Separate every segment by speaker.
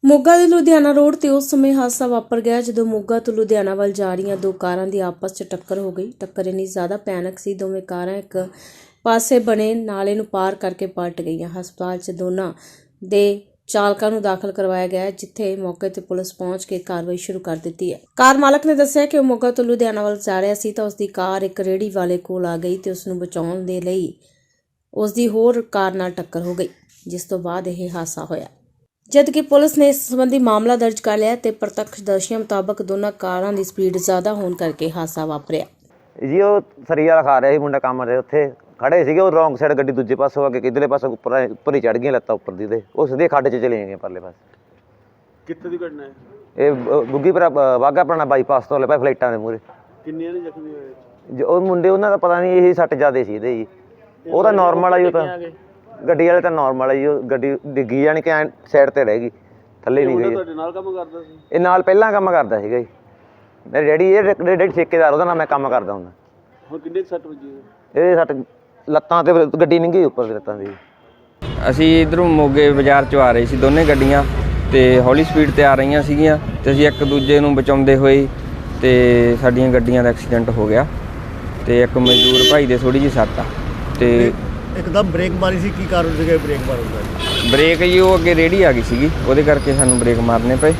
Speaker 1: ਮੋਗਾ ਦੇ ਲੁਧਿਆਣਾ ਰੋਡ ਤੇ ਉਸ ਸਮੇਂ ਹਾਦਸਾ ਵਾਪਰ ਗਿਆ ਜਦੋਂ ਮੋਗਾ ਤੋਂ ਲੁਧਿਆਣਾ ਵੱਲ ਜਾ ਰਹੀਆਂ ਦੋ ਕਾਰਾਂ ਦੀ ਆਪਸ 'ਚ ਟੱਕਰ ਹੋ ਗਈ। ਟੱਕਰ ਇੰਨੀ ਜ਼ਿਆਦਾ ਭਿਆਨਕ ਸੀ, ਦੋਵੇਂ ਕਾਰਾਂ ਇੱਕ ਪਾਸੇ ਬਣੇ ਨਾਲੇ ਨੂੰ ਪਾਰ ਕਰਕੇ ਪਲਟ ਗਈਆਂ। ਹਸਪਤਾਲ 'ਚ ਦੋਨਾਂ ਦੇ ਚਾਲਕਾਂ ਨੂੰ ਦਾਖਲ ਕਰਵਾਇਆ ਗਿਆ, ਜਿੱਥੇ ਮੌਕੇ ਤੇ ਪੁਲਿਸ ਪਹੁੰਚ ਕੇ ਕਾਰਵਾਈ ਸ਼ੁਰੂ ਕਰ ਦਿੱਤੀ ਹੈ। ਕਾਰ ਮਾਲਕ ਨੇ ਦੱਸਿਆ ਕਿ ਉਹ ਮੋਗਾ ਤੋਂ ਲੁਧਿਆਣਾ ਵੱਲ ਜਾ ਰਿਹਾ ਸੀ ਤਾਂ ਉਸ ਦੀ ਕਾਰ ਇੱਕ ਰੇਹੜੀ ਵਾਲੇ ਕੋਲ ਆ ਗਈ ਤੇ ਉਸ ਨੂੰ ਬਚਾਉਣ ਦੇ ਲਈ ਉਸ ਦੀ ਹੋਰ ਕਾਰ ਨਾਲ ਟੱਕਰ ਹੋ ਗਈ, ਜਿਸ ਤੋਂ ਬਾਅਦ ਇਹ ਹਾਦਸਾ ਹੋਇਆ। ਜਦਕਿ ਪੁਲਿਸ ਨੇ ਇਸ ਸੰਬੰਧੀ ਮਾਮਲਾ ਦਰਜ ਕਰ ਲਿਆ ਤੇ ਪ੍ਰਤੱਖਦਰਸ਼ੀਆਂ ਮੁਤਾਬਕ ਦੋਨਾਂ ਕਾਰਾਂ ਦੀ ਸਪੀਡ ਜ਼ਿਆਦਾ ਹੋਣ ਕਰਕੇ ਹਾਦਸਾ ਵਾਪਰਿਆ।
Speaker 2: ਜੀ ਉਹ ਸਰੀਆ ਖਾ ਰਿਹਾ ਸੀ ਮੁੰਡਾ ਕੰਮ ਤੇ ਉੱਥੇ ਖੜੇ ਸੀਗੇ। ਉਹ ਰੌਂਗ ਸਾਈਡ ਗੱਡੀ ਦੂਜੇ ਪਾਸੋਂ ਆ ਕੇ ਕਿਧਰਲੇ ਪਾਸੋਂ ਉੱਪਰ ਹੀ ਚੜ ਗਈਆਂ, ਲੱਤਾਂ ਉੱਪਰ ਦੀ ਤੇ ਉਹ ਸਿੱਧੇ ਖੱਡ 'ਚ ਚਲੇ ਗਏ ਪਰਲੇ ਪਾਸੇ।
Speaker 3: ਕਿੱਥੇ ਦੀ ਘਟਨਾ ਹੈ
Speaker 2: ਇਹ ਬੁੱਗੀਪੁਰਾ ਵਾਘਾ ਪੁਰਾਣਾ ਬਾਈਪਾਸ ਤੋਂ ਲੈ ਪਏ ਫਲਾਈਟਾਂ ਦੇ ਮੂਹਰੇ।
Speaker 3: ਕਿੰਨੇ ਨੇ ਜ਼ਖਮੀ ਹੋਏ?
Speaker 2: ਉਹ ਮੁੰਡੇ ਉਹਨਾਂ ਦਾ ਪਤਾ ਨਹੀਂ, ਇਹੀ ਸੱਟ ਜ਼ਿਆਦੇ ਸੀ ਇਹਦੇ ਜੀ। ਉਹ ਤਾਂ ਨੋਰਮਲ ਆ ਜੀ, ਉਹ ਤਾਂ ਗੱਡੀ ਵਾਲੇ ਤਾਂ ਨੋਰਮਲ ਆ ਜੀ। ਉਹ ਗੱਡੀ ਡਿੱਗੀ ਜਾਣੀ ਕਿ ਸਾਈਡ ਤੇ ਰਹਿ ਗਈ, ਥੱਲੇ ਨਹੀਂ ਗਈ।
Speaker 3: ਤੁਹਾਡੇ ਨਾਲ ਕੰਮ ਕਰਦਾ ਸੀ?
Speaker 2: ਇਹ ਨਾਲ ਪਹਿਲਾਂ ਕੰਮ ਕਰਦਾ ਸੀਗਾ ਜੀ। ਮੇਰੇ ਡੈਡੀ, ਇਹ ਡੈਡੀ ਠੇਕੇਦਾਰ, ਉਹਦਾ ਨਾਲ ਮੈਂ ਕੰਮ ਕਰਦਾ ਹੁੰਦਾ।
Speaker 3: ਹੁਣ ਕਿੰਨੇ ਸੱਟ ਵੱਜੀ?
Speaker 2: ਇਹ ਸੱਟ ਲੱਤਾਂ ਤੇ ਗੱਡੀ ਨਿੰਗੀ ਉੱਪਰ ਲੱਤਾਂ ਦੀ।
Speaker 4: ਅਸੀਂ ਇਧਰੋਂ ਮੋਗੇ ਬਾਜ਼ਾਰ 'ਚੋਂ ਆ ਰਹੇ ਸੀ, ਦੋਨੇ ਗੱਡੀਆਂ ਤੇ ਹੌਲੀ ਸਪੀਡ ਤੇ ਆ ਰਹੀਆਂ ਸੀਗੀਆਂ ਤੇ ਅਸੀਂ ਇੱਕ ਦੂਜੇ ਨੂੰ ਬਚਾਉਂਦੇ ਹੋਏ ਤੇ ਸਾਡੀਆਂ ਗੱਡੀਆਂ ਦਾ ਐਕਸੀਡੈਂਟ ਹੋ ਗਿਆ ਤੇ ਇੱਕ ਮਜ਼ਦੂਰ ਭਾਈ ਦੇ ਥੋੜੀ ਜਿਹੀ ਸੱਟ ਆ ਤੇ
Speaker 5: ਇੱਕਦਮ ਬ੍ਰੇਕ ਮਾਰੀ ਸੀ। ਕੀ ਕਾਰਨ ਸੀਗਾ ਬ੍ਰੇਕ ਮਾਰਨ ਦਾ?
Speaker 4: ਬ੍ਰੇਕ ਜੀ ਉਹ ਅੱਗੇ ਰੇਹੜੀ ਆ ਗਈ ਸੀਗੀ, ਉਹਦੇ ਕਰਕੇ ਸਾਨੂੰ ਬ੍ਰੇਕ ਮਾਰਨੇ ਪਏ।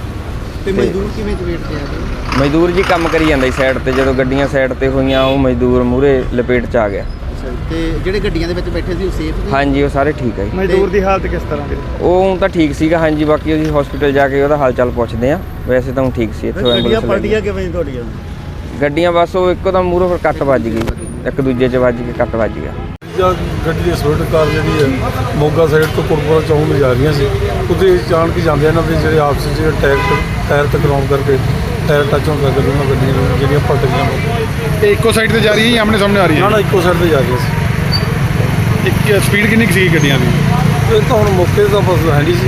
Speaker 5: ਤੇ ਮਜ਼ਦੂਰ ਕਿਵੇਂ ਚਪੇਟ ਤੇ ਆ ਗਏ?
Speaker 4: ਮਜ਼ਦੂਰ ਜੀ ਕੰਮ ਕਰੀ ਜਾਂਦਾ ਸੀ ਸਾਈਡ ਤੇ, ਜਦੋਂ ਗੱਡੀਆਂ ਸਾਈਡ ਤੇ ਹੋਈਆਂ ਉਹ ਮਜ਼ਦੂਰ ਮੂਹਰੇ ਲਪੇਟ 'ਚ ਆ ਗਿਆ।
Speaker 5: ਤੇ ਜਿਹੜੇ ਗੱਡੀਆਂ ਦੇ ਵਿੱਚ ਬੈਠੇ ਸੀ ਉਹ ਸੇਫ ਸੀ?
Speaker 4: ਹਾਂਜੀ, ਉਹ ਸਾਰੇ ਠੀਕ ਹੈ ਜੀ।
Speaker 5: ਮਜ਼ਦੂਰ ਦੀ ਹਾਲਤ ਕਿਸ ਤਰ੍ਹਾਂ ਦੀ?
Speaker 4: ਉਹ ਤਾਂ ਠੀਕ ਸੀਗਾ ਹਾਂਜੀ, ਬਾਕੀ ਅਸੀਂ ਹਸਪੀਟਲ ਜਾ ਕੇ ਉਹਦਾ ਹਾਲ ਚਾਲ ਪੁੱਛਦੇ ਆ। ਵੈਸੇ ਤਾਂ ਉਹ ਠੀਕ ਸੀ। ਇੱਥੋਂ
Speaker 5: ਗੱਡੀਆਂ ਪਲਟੀਆਂ ਕਿਵੇਂ ਤੁਹਾਡੀਆਂ?
Speaker 4: ਗੱਡੀਆਂ ਬਸ ਉਹ ਇੱਕੋ ਦਮ ਮੂਹਰੋਂ ਫਿਰ ਕੱਟ ਵੱਜ ਗਈ, ਇੱਕ ਦੂਜੇ 'ਚ ਵੱਜ ਕੇ ਕੱਟ ਵੱਜ ਗਿਆ।
Speaker 6: ਗੱਡੀ ਦੀ ਸਵਿਫਟ ਕਾਰ ਜਿਹੜੀ ਹੈ ਮੋਗਾ ਸਾਈਡ ਤੋਂ ਕੋਟਪੁਰਾ ਚੌਂਕ ਨੂੰ ਜਾ ਰਹੀਆਂ ਸੀ। ਉੱਥੇ ਜਾਣ ਕੇ ਜਾਂਦੇ ਇਹਨਾਂ ਦੇ ਜਿਹੜੇ ਆਪਸ ਵਿੱਚ ਟਾਇਰ ਟਕਰਾਉਣ ਕਰਕੇ ਟਾਇਰ ਟੱਚ ਹੋਣ ਕਰਕੇ ਉਹਨਾਂ ਗੱਡੀਆਂ ਜਿਹੜੀਆਂ ਪਲਟ ਗਈਆਂ।
Speaker 7: ਤੇ ਇੱਕੋ ਸਾਈਡ ਤੇ ਜਾ ਰਹੀ ਹੈ ਜਾਂ ਆਮਣੇ ਸਾਹਮਣੇ ਆ ਰਹੀ ਹੈ?
Speaker 6: ਨਾ ਇੱਕੋ ਸਾਈਡ ਤੇ ਜਾ ਰਹੀਆਂ ਸੀ।
Speaker 7: ਇੱਕ ਸਪੀਡ ਕਿੰਨੀ ਕੁ ਸੀ ਗੱਡੀਆਂ ਦੀ?
Speaker 6: ਇਹ ਤਾਂ ਹੁਣ ਮੌਕੇ ਤਾਂ ਬਸ ਹੈ ਨਹੀਂ ਸੀ।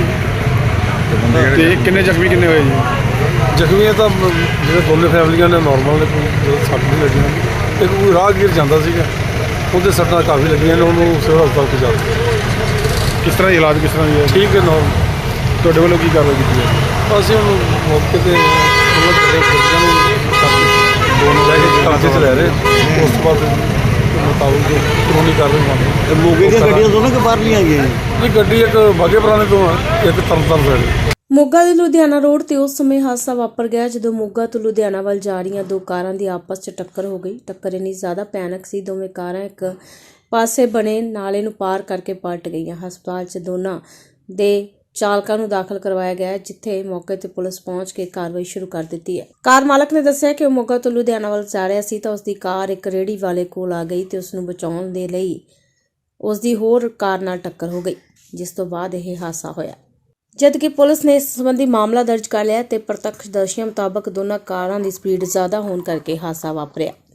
Speaker 7: ਤੇ ਕਿੰਨੇ ਜ਼ਖਮੀ ਕਿੰਨੇ ਹੋਏ ਜੀ?
Speaker 6: ਜ਼ਖਮੀਆਂ ਤਾਂ ਜਿਹੜੇ ਦੋਨੇ ਫੈਮਲੀਆਂ ਨੇ ਨੋਰਮਲ ਨੇ, ਕੋਈ ਸੱਟ ਨਹੀਂ ਲੱਗੀਆਂ। ਇੱਕ ਕੋਈ ਰਾਹਗੀਰ ਜਾਂਦਾ ਸੀਗਾ, ਉਹਦੇ ਸੱਟਾਂ ਕਾਫੀ ਲੱਗੀਆਂ ਨੇ, ਉਹਨੂੰ ਸਿਵਲ ਹਸਪਤਾਲ ਪਹੁੰਚਾ।
Speaker 7: ਕਿਸ ਤਰ੍ਹਾਂ ਇਲਾਜ ਕਿਸ ਤਰ੍ਹਾਂ ਹੈ?
Speaker 6: ਠੀਕ ਹੈ ਨੋਰਮਲ।
Speaker 7: ਤੁਹਾਡੇ ਵੱਲੋਂ ਕੀ ਕਾਰਵਾਈ ਕੀਤੀ ਹੈ?
Speaker 6: ਅਸੀਂ ਉਹਨੂੰ ਮੌਕੇ ਤੇ ਉਹਨਾਂ ਦੇ ਗੱਡੀਆਂ ਨੂੰ ਦੋਨੋਂ ਲੈ ਕੇ ਕਬਜ਼ੇ 'ਚ ਲੈ ਰਹੇ। ਉਸ ਤੋਂ ਬਾਅਦ ਮੁਤਾਬਕ ਕਾਨੂੰਨੀ ਕਾਰਵਾਈ ਮੰਨਦੇ।
Speaker 5: ਮੋਗੇ ਦੀਆਂ ਗੱਡੀਆਂ ਦੋਨੋਂ ਕਿ ਬਾਹਰਲੀਆਂ ਆਈਆਂ?
Speaker 6: ਇਹ ਗੱਡੀ ਇੱਕ ਬਾਘੇ ਪੁਰਾਣੇ ਤੋਂ ਹੈ, ਇੱਕ ਤਰਨਤਾਰਨ ਸਾਈਡ।
Speaker 1: ਮੋਗਾ ਦੇ ਲੁਧਿਆਣਾ ਰੋਡ ਤੇ ਉਸ ਸਮੇਂ ਹਾਦਸਾ ਵਾਪਰ ਗਿਆ ਜਦੋਂ ਮੋਗਾ ਤੋਂ ਲੁਧਿਆਣਾ ਵੱਲ ਜਾ ਰਹੀਆਂ ਦੋ ਕਾਰਾਂ ਦੀ ਆਪਸ 'ਚ ਟੱਕਰ ਹੋ ਗਈ। ਟੱਕਰ ਇੰਨੀ ਜ਼ਿਆਦਾ ਭਿਆਨਕ ਸੀ, ਦੋਵੇਂ ਕਾਰਾਂ ਇੱਕ ਪਾਸੇ ਬਣੇ ਨਾਲੇ ਨੂੰ ਪਾਰ ਕਰਕੇ ਪਲਟ ਗਈਆਂ। ਹਸਪਤਾਲ 'ਚ ਦੋਨਾਂ ਦੇ ਚਾਲਕਾਂ ਨੂੰ ਦਾਖਲ ਕਰਵਾਇਆ ਗਿਆ, ਜਿੱਥੇ ਮੌਕੇ ਤੇ ਪੁਲਿਸ ਪਹੁੰਚ ਕੇ ਕਾਰਵਾਈ ਸ਼ੁਰੂ ਕਰ ਦਿੱਤੀ ਹੈ। ਕਾਰ ਮਾਲਕ ਨੇ ਦੱਸਿਆ ਕਿ ਉਹ ਮੋਗਾ ਤੋਂ ਲੁਧਿਆਣਾ ਵੱਲ ਜਾ ਰਿਹਾ ਸੀ ਤਾਂ ਉਸ ਦੀ ਕਾਰ ਇੱਕ ਰੇਹੜੀ ਵਾਲੇ ਕੋਲ ਆ ਗਈ ਤੇ ਉਸ ਨੂੰ ਬਚਾਉਣ ਦੇ ਲਈ ਉਸ ਦੀ ਹੋਰ ਕਾਰ ਨਾਲ ਟੱਕਰ ਹੋ ਗਈ, ਜਿਸ ਤੋਂ ਬਾਅਦ ਇਹ ਹਾਦਸਾ ਹੋਇਆ। ਜਦਕਿ ਪੁਲਿਸ ਨੇ ਇਸ ਸੰਬੰਧੀ ਮਾਮਲਾ ਦਰਜ ਕਰ ਲਿਆ ਤੇ ਪ੍ਰਤੱਖਦਰਸ਼ੀਆਂ ਮੁਤਾਬਕ ਦੋਨਾਂ ਕਾਰਾਂ ਦੀ ਸਪੀਡ ਜ਼ਿਆਦਾ ਹੋਣ ਕਰਕੇ ਹਾਦਸਾ ਵਾਪਰਿਆ।